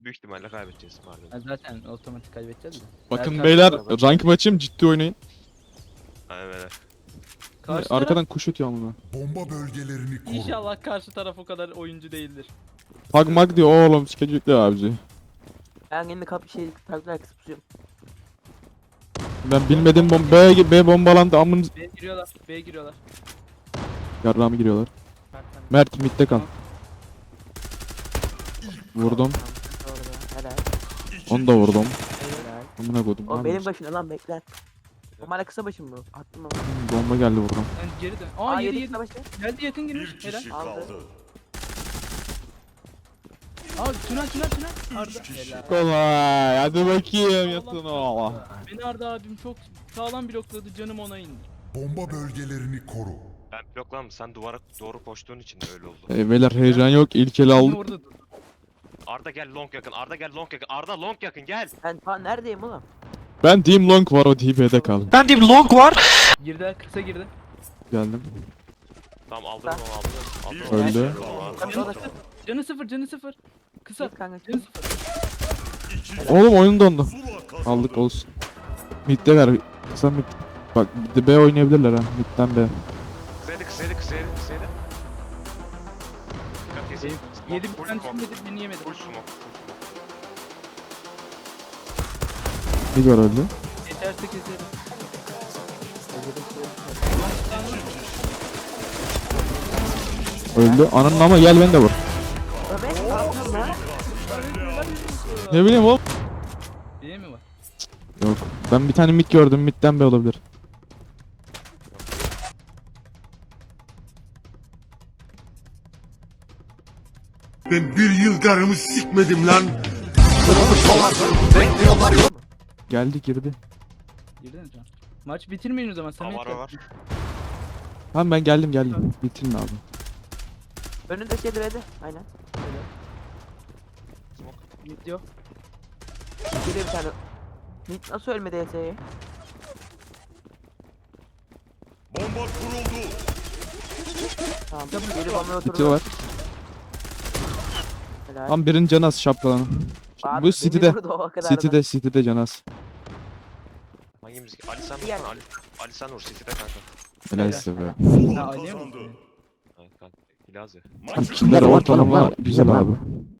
Büyük ihtimalle kaybedeceğiz malum. Ha, zaten otomatik kaybedeceğiz de. Bakın Berkan beyler araba. rank maçım ciddi oynayın. Evet. Karşı taraf Arkadan kuş ötüyor ama. Bomba bölgelerini koru. inşallah karşı taraf o kadar oyuncu değildir. Pag mag diyor oğlum sikecekler abici. Ben yine kapı takla kısıp tutuyorum. Ben bilmedim B bombalandı amın B'ye giriyorlar. B'ye giriyorlar. yarrağımı giriyorlar. Berkan. Mert midde kal. Vurdum. Orada. Helal. Onu da vurdum. Helal. Amına koydum. O lan. benim başımda lan bekler. O hala kısa başım mı? Attım ama. Bomba geldi vurdum. Ben geri dön. Aa yedi kısa yedi. başı. Geldi yakın girmiş. Helal. Aldı. Aa tünel. Arda. Helal. Kolay. Hadi bakayım Allah yatın Allah. oğla. Beni Arda abim çok sağlam blokladı. Canım ona indi. Bomba bölgelerini koru. Ben bloklandım. Sen duvara doğru koştuğun için de öyle oldu. Beyler heyecan yok. İlk eli Beni aldık. orada dur. Arda gel long yakın. Arda gel long yakın. Arda long yakın gel. Ben ta neredeyim oğlum? Ben Team Long var o TP'de kaldım. Girdi. Kısa girdi. Geldim. Tamam aldım onu aldım. Öldü. Kapı orada. Canı sıfır. Kısa. Git kanka. Canı sıfır. Oğlum oyun dondu. Aldık olsun. Mid'de ver. Sen mid. Bak bir de B oynayabilirler ha. Mid'den B. Kısaydı. Dikkat kesin. Yedi bir tane çimledi. Beni yemedi. Full smoke. Mid var öldü. Yeterse keserim. Öldü. Ananın ama gel beni de vur. Ömer ne yapıyorsun lan? Ne bileyim oğlum. Diye mi var? Yok. Ben bir tane mid gördüm. Mid'den B olabilir. Ben bir yıl karımı sikmedim lan. Geldi girdi. Girdin mi can? Maç bitirmeyin o zaman. Samet Var yap. var. Tamam ben geldim. Bitirme abi. Önünde şey diredi. Aynen. Öyle. Mid yok. Geliyor bir tane. Nit nasıl ölmedi ES'ye? Bomba kuruldu. Tamam. Geri bombaya City oturdu. var. Helal. Tam birinin canı az şapkalanın. Abi, Bu beni City'de. vurdu o kadar da. City'de canı az. Hangimiz? Ali sen Gel. vursana Ali. Ali sen vur City'de kanka. Helal size be. Ha, oynayamıyor musun? Kanka. Hilaz ya. Kimler ortalama güzel abi.